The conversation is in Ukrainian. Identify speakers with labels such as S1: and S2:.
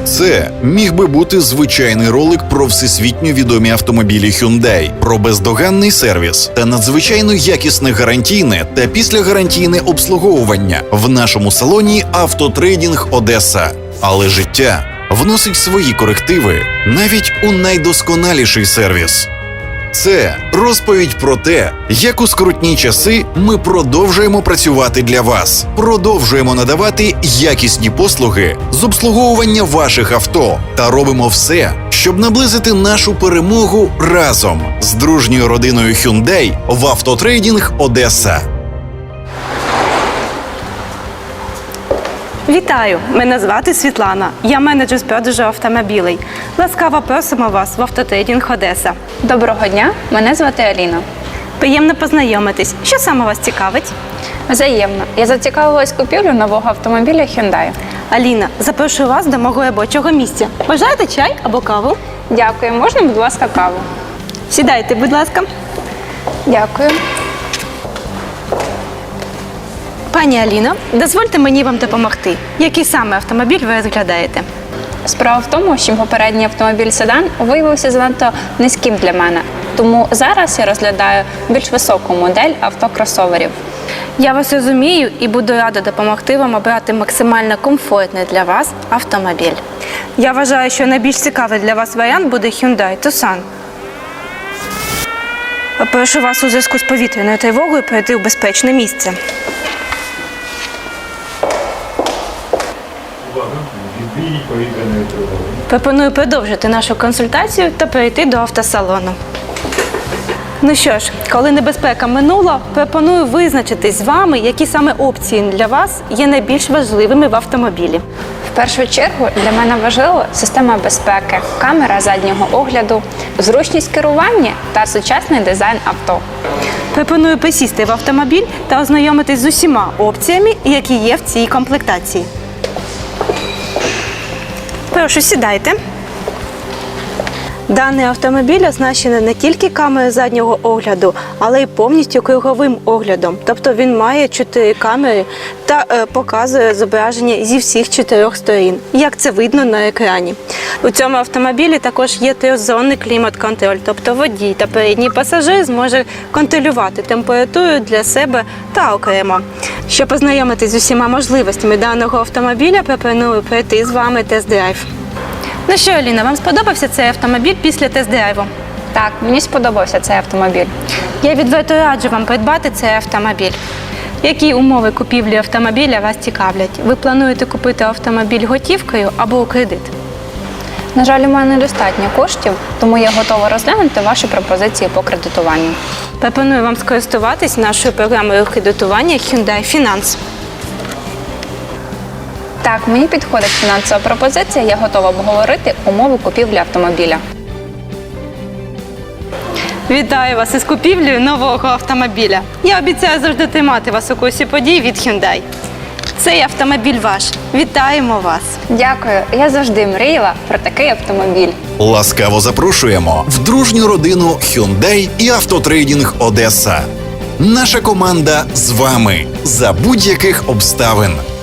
S1: Це міг би бути звичайний ролик про всесвітньо відомі автомобілі Hyundai, про бездоганний сервіс та надзвичайно якісне гарантійне та післягарантійне обслуговування в нашому салоні «Автотрейдинг Одеса». Але життя вносить свої корективи навіть у найдосконаліший сервіс. Це розповідь про те, як у скрутні часи ми продовжуємо працювати для вас, продовжуємо надавати якісні послуги з обслуговування ваших авто та робимо все, щоб наблизити нашу перемогу разом з дружньою родиною Hyundai в «Автотрейдинг Одеса».
S2: Вітаю! Мене звати Світлана. Я менеджер з продажу автомобілей. Ласкаво просимо вас в «Автотрейдинг Одеса».
S3: Доброго дня, мене звати Аліна.
S2: Приємно познайомитись. Що саме вас цікавить?
S3: Взаємно. Я зацікавилась купівлею нового автомобіля Hyundai.
S2: Аліна, запрошую вас до мого робочого місця. Бажаєте чай або каву?
S3: Дякую. Можна, будь ласка, каву?
S2: Сідайте, будь ласка.
S3: Дякую.
S2: Пані Аліно, дозвольте мені вам допомогти. Який саме автомобіль ви розглядаєте?
S3: Справа в тому, що попередній автомобіль седан виявився занадто низьким для мене. Тому зараз я розглядаю більш високу модель автокросоверів.
S2: Я вас розумію і буду рада допомогти вам обрати максимально комфортний для вас автомобіль. Я вважаю, що найбільш цікавий для вас варіант буде Hyundai Tucson. Прошу вас у зв'язку з повітряною тривогою перейти в безпечне місце. Пропоную продовжити нашу консультацію та перейти до автосалону. Ну що ж, коли небезпека минула, пропоную визначитись з вами, які саме опції для вас є найбільш важливими в автомобілі.
S3: В першу чергу для мене важлива система безпеки, камера заднього огляду, зручність керування та сучасний дизайн авто.
S2: Пропоную присісти в автомобіль та ознайомитись з усіма опціями, які є в цій комплектації. Прошу, сідайте. Даний автомобіль оснащений не тільки камерою заднього огляду, але й повністю круговим оглядом. Тобто він має 4 камери та показує зображення зі всіх 4 сторін, як це видно на екрані. У цьому автомобілі також є 3-зонний клімат-контроль, тобто водій та передній пасажир зможе контролювати температуру для себе та окремо. Щоб познайомитись з усіма можливостями даного автомобіля, пропоную пройти з вами тест-драйв. Ну що, Аліна, вам сподобався цей автомобіль після тест-драйву?
S3: Так, мені сподобався цей автомобіль.
S2: Я відверто раджу вам придбати цей автомобіль. Які умови купівлі автомобіля вас цікавлять? Ви плануєте купити автомобіль готівкою або у кредит?
S3: На жаль, у мене недостатньо коштів, тому я готова розглянути ваші пропозиції по кредитуванню.
S2: Пропоную вам скористуватись нашою програмою кредитування Hyundai Finance.
S3: Так, мені підходить фінансова пропозиція, я готова обговорити умови купівлі автомобіля.
S2: Вітаю вас із купівлею нового автомобіля. Я обіцяю завжди тримати вас у курсі подій від Hyundai. Цей автомобіль ваш. Вітаємо вас!
S3: Дякую, я завжди мріяла про такий автомобіль.
S1: Ласкаво запрошуємо в дружню родину Hyundai і «Автотрейдинг Одеса». Наша команда з вами за будь-яких обставин.